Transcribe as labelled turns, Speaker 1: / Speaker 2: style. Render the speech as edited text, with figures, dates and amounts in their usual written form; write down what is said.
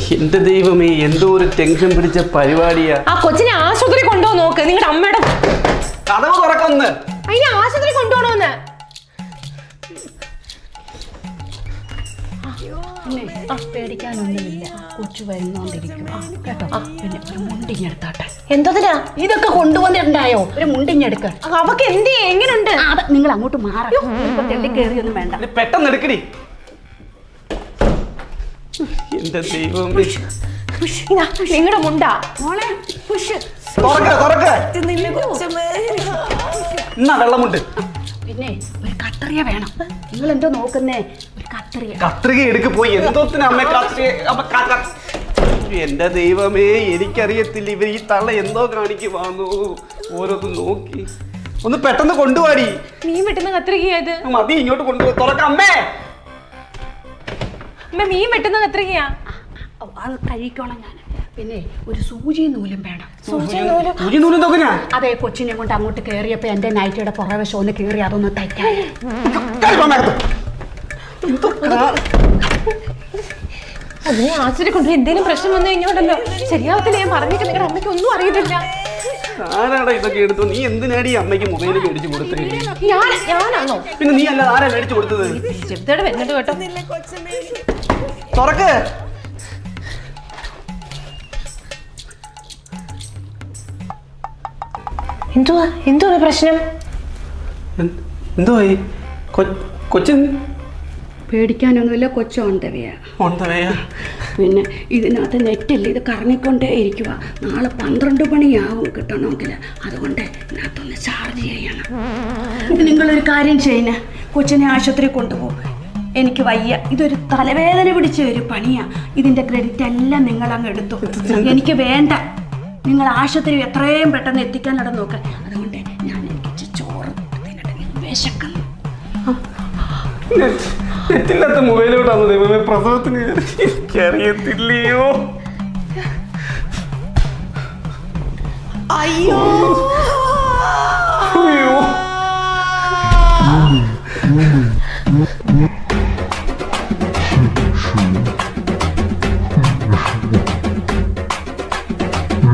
Speaker 1: എന്റെ ദൈവമേ, എന്തോ ഒരു ടെൻഷൻ പിടിച്ച പരിപാടിയാ.
Speaker 2: ആ കൊച്ചിനെ ആശുപത്രി കൊണ്ടുപോകാൻ നോക്ക്. നിങ്ങളുടെ അമ്മയുടെ
Speaker 1: കഥവ് തുറക്കൊന്ന്.
Speaker 2: അതിനെ ആശുപത്രി കൊണ്ടുപോകണമെന്ന്.
Speaker 3: പേടിക്കാനൊന്നുമില്ല, കൊച്ചു വരുന്നോണ്ടിരിക്കും കേട്ടോ. പിന്നെ ഒരു മുണ്ടിഞ്ഞെടുത്താട്ടെ.
Speaker 2: എന്തോതിനാ
Speaker 3: ഇതൊക്കെ കൊണ്ടുവന്നിട്ടുണ്ടായോ? ഒരു മുണ്ടിഞ്ഞെടുക്ക.
Speaker 2: അവക്ക് എന്ത് എങ്ങനെയുണ്ട്?
Speaker 3: നിങ്ങൾ അങ്ങോട്ട് മാറും. തെള്ളി കയറിയൊന്നും വേണ്ട.
Speaker 1: പെട്ടെന്ന് എടുക്കടി. എന്റെ ദൈവമേ,
Speaker 2: നിങ്ങളുടെ മുണ്ടാ
Speaker 3: മോളെ പുഷ്
Speaker 1: എന്നാ വെള്ളമുണ്ട്.
Speaker 3: പിന്നെ ഒരു കത്രിക വേണം. നിങ്ങൾ എന്തോ നോക്കുന്നേ? ഒരു കത്രിക.
Speaker 1: കത്രിക എടുക്ക് പോയി. എന്തോത്തിന് അമ്മ കത്രിക? എന്റെ ദൈവമേ, എനിക്കറിയത്തില്ല. ഇവർ ഈ തള്ള എന്തോ കാണിക്കുവാന്നു. ഓരോന്ന് നോക്കി ഒന്ന് പെട്ടെന്ന് കൊണ്ടുപോടി.
Speaker 2: മീൻ വെട്ടുന്ന കത്രികയത്
Speaker 1: മതി, ഇങ്ങോട്ട് കൊണ്ടുപോയി തുറക്കാം. അമ്മേ,
Speaker 2: അമ്മ മീൻ വെട്ടുന്ന കത്രികയാ.
Speaker 3: അത് കഴിക്കോളാം ഞാൻ. പിന്നെ ഒരു സൂചി നൂലും വേണം.
Speaker 1: സൂചി നൂലും തോക്കനാ?
Speaker 3: അതെ, കൊച്ചിനെ കൊണ്ട് അങ്ങോട്ട് കയറിയപ്പോ എന്റെ നൈറ്റിയുടെ പുറവശം ഒന്ന് കയറി അതൊന്ന് തയ്ക്കാൻ.
Speaker 2: അതിനെ ആശുപത്രി കൊണ്ടുപോയി എന്തെങ്കിലും പ്രശ്നം വന്നു കഴിഞ്ഞോണ്ടല്ലോ ശരിയാവത്തില്ല. ഞാൻ പറഞ്ഞിട്ട് നിങ്ങളുടെ അമ്മയ്ക്ക് ഒന്നും അറിയത്തില്ല.
Speaker 1: ആരാടാ ഇതൊക്കെ എടുത്തു? നീ എന്തിനാടി അമ്മയ്ക്ക് മൊബൈൽ മേടിച്ചു കൊടുത്തേ?
Speaker 2: ഞാനാണോ?
Speaker 1: പിന്നെ നീ അല്ല, ആരാ മേടിച്ചു കൊടുത്തത്?
Speaker 2: ചെറുതോടെ വരുന്നുണ്ട് കേട്ടോ.
Speaker 1: തുറക്ക്.
Speaker 2: എന്തുവാ പ്രശ്നം?
Speaker 1: എന്തോ കൊച്ചൻ?
Speaker 3: പേടിക്കാനൊന്നുമില്ല, കൊച്ചു ഓണ്ടവയാ. പിന്നെ ഇതിനകത്ത് നെറ്റില്ല, ഇത് കറങ്ങിക്കൊണ്ടേ ഇരിക്കുക. നാളെ 12 മണിയാവും കിട്ടണമെങ്കിൽ. അതുകൊണ്ട് ഇതിനകത്തൊന്ന് ചാർജ് ചെയ്യണം. നിങ്ങളൊരു കാര്യം ചെയ്യുന്ന, കൊച്ചിനെ ആശുപത്രി കൊണ്ടുപോകും. എനിക്ക് വയ്യ, ഇതൊരു തലവേദന പിടിച്ച ഒരു പണിയാ. ഇതിന്റെ ക്രെഡിറ്റ് എല്ലാം നിങ്ങൾ അങ്ങ് എടുത്തു. എനിക്ക് വേണ്ട. നിങ്ങൾ ആശുപത്രി എത്രയും പെട്ടെന്ന് എത്തിക്കാനിട നോക്ക്. അതുകൊണ്ട് ഞാൻ എനിക്ക് ചോറ് വിശക്കുന്നു.
Speaker 1: നെറ്റില്ലാത്ത മൊബൈലോട്ടാണ് ദൈവമേ പ്രസവത്തിന്. എനിക്കറിയത്തില്ലയോ.
Speaker 2: അയ്യോ
Speaker 1: അയ്യോ.